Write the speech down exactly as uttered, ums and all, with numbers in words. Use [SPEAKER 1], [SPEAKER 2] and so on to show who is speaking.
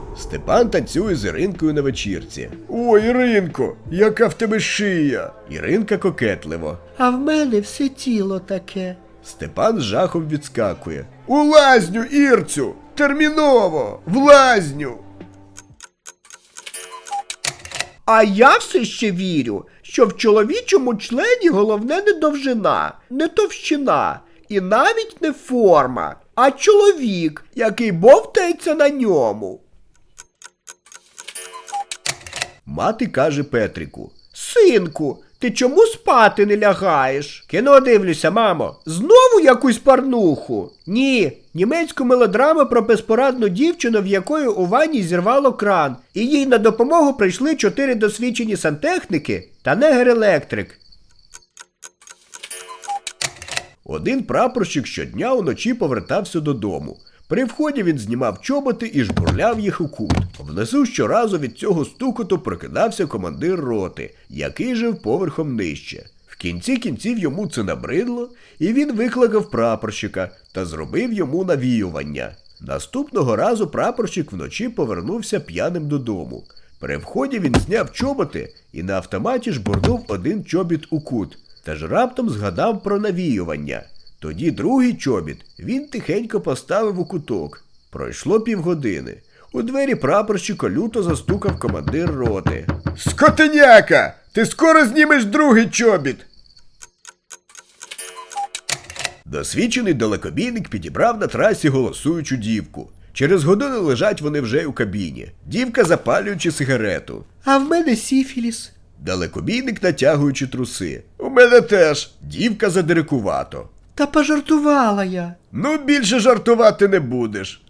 [SPEAKER 1] Степан танцює з Іринкою на вечірці. Ой, Іринко, яка в тебе шия! Іринка кокетливо.
[SPEAKER 2] А в мене все тіло таке.
[SPEAKER 1] Степан з жахом відскакує. У лазню, Ірцю! Терміново! В лазню!
[SPEAKER 2] А я все ще вірю, що в чоловічому члені головне не довжина, не товщина і навіть не форма, а чоловік, який бовтається на ньому.
[SPEAKER 1] Мати каже Петрику.
[SPEAKER 2] Синку, ти чому спати не лягаєш? Кіно дивлюся, мамо. Знову якусь парнуху? Ні, німецьку мелодраму про безпорадну дівчину, в якої у ванні зірвало кран, і їй на допомогу прийшли чотири досвідчені сантехніки та негр-електрик.
[SPEAKER 1] Один прапорщик щодня уночі повертався додому. При вході він знімав чоботи і жбурляв їх у кут. Внизу щоразу від цього стукоту прокидався командир роти, який жив поверхом нижче. В кінці кінців йому це набридло, і він викликав прапорщика та зробив йому навіювання. Наступного разу прапорщик вночі повернувся п'яним додому. При вході він зняв чоботи і на автоматі жбурнув один чобіт у кут, та ж раптом згадав про навіювання. Тоді другий чобіт він тихенько поставив у куток. Пройшло півгодини. У двері прапорщика люто застукав командир роти. «Скотиняка! Ти скоро знімеш другий чобіт!» Досвідчений далекобійник підібрав на трасі голосуючу дівку. Через годину лежать вони вже у кабіні. Дівка запалюючи сигарету.
[SPEAKER 2] А в мене сіфіліс.
[SPEAKER 1] Далекобійник натягуючи труси. У мене теж. Дівка задирикувато.
[SPEAKER 2] Та пожартувала я.
[SPEAKER 1] Ну, більше жартувати не будеш.